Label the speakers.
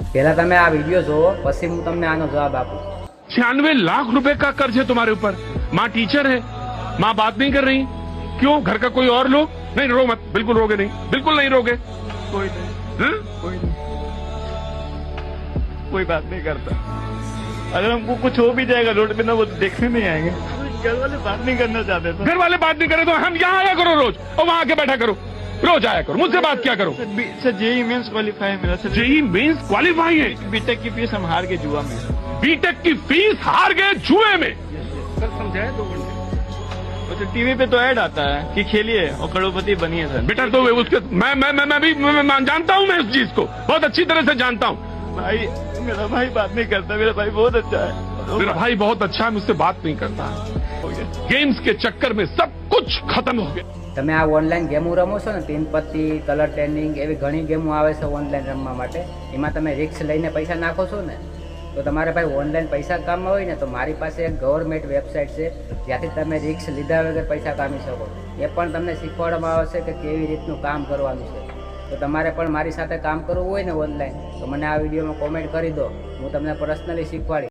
Speaker 1: પહેલા તમે આ વિડીયો જોવો, પછી હું તમને આનો જવાબ આપું।
Speaker 2: 96 लाख रुपए का कर्ज है तुम्हारे ऊपर। माँ टीचर है, माँ बात नहीं कर रही, क्यों? घर का कोई और लोग? नहीं, रो मत, बिल्कुल रोगे नहीं, बिल्कुल नहीं रोगे।
Speaker 3: कोई नहीं,
Speaker 2: हाँ?
Speaker 3: कोई नहीं, कोई बात नहीं करता। अगर हमको कुछ हो भी जाएगा रोड पे ना, वो देखने नहीं आएंगे। घर वाले बात नहीं करना चाहते थे।
Speaker 2: घर वाले बात नहीं करे तो हम यहाँ आया करो रोज, और वहाँ आके बैठा करो, रोज आया करो, मुझसे बात क्या करो।
Speaker 3: सर जेई मेंस क्वालिफाई है मेरा सर।
Speaker 2: जेई मेंस क्वालिफाई है,
Speaker 3: बीटेक की फीस हम हार के जुआ में।
Speaker 2: बीटेक की फीस हार गए जुए में।
Speaker 3: सर समझाए 2 घंटे। टीवी पे तो ऐड आता है कि खेलिए और करोड़पति बनिए सर।
Speaker 2: बेटा तो उसके मैं जानता हूँ, मैं इस चीज को बहुत अच्छी तरह से जानता हूँ।
Speaker 3: भाई मेरा भाई बात नहीं करता, मेरा भाई बहुत अच्छा है।
Speaker 2: मेरा भाई बहुत अच्छा है, मुझसे बात नहीं करता।
Speaker 3: हो गया।
Speaker 2: गेम्स के चक्कर में सब कुछ खत्म हो गया।
Speaker 1: તમે આ ઓનલાઈન ગેમો રમો છો ને, 3 પત્તી, કલર ટ્રેનિંગ, એવી ઘણી ગેમો આવે છે ઓનલાઈન રમવા માટે। એમાં તમે રિસ્ક લઈને પૈસા નાખો છો ને, તો તમારે ભાઈ ઓનલાઈન પૈસા કામમાં હોય ને, તો મારી પાસે એક ગવર્મેન્ટ વેબસાઇટ છે, જ્યાંથી તમે રિસ્ક લીધા વગર પૈસા કામી શકો। એ પણ તમને શીખવાડવામાં આવશે કે કેવી રીતનું કામ કરવાનું છે। તો તમારે પણ મારી સાથે કામ કરવું હોય ને ઓનલાઈન, તો મને આ વિડીયોમાં કોમેન્ટ કરી દો, હું તમને પર્સનલી શીખવાડીશ।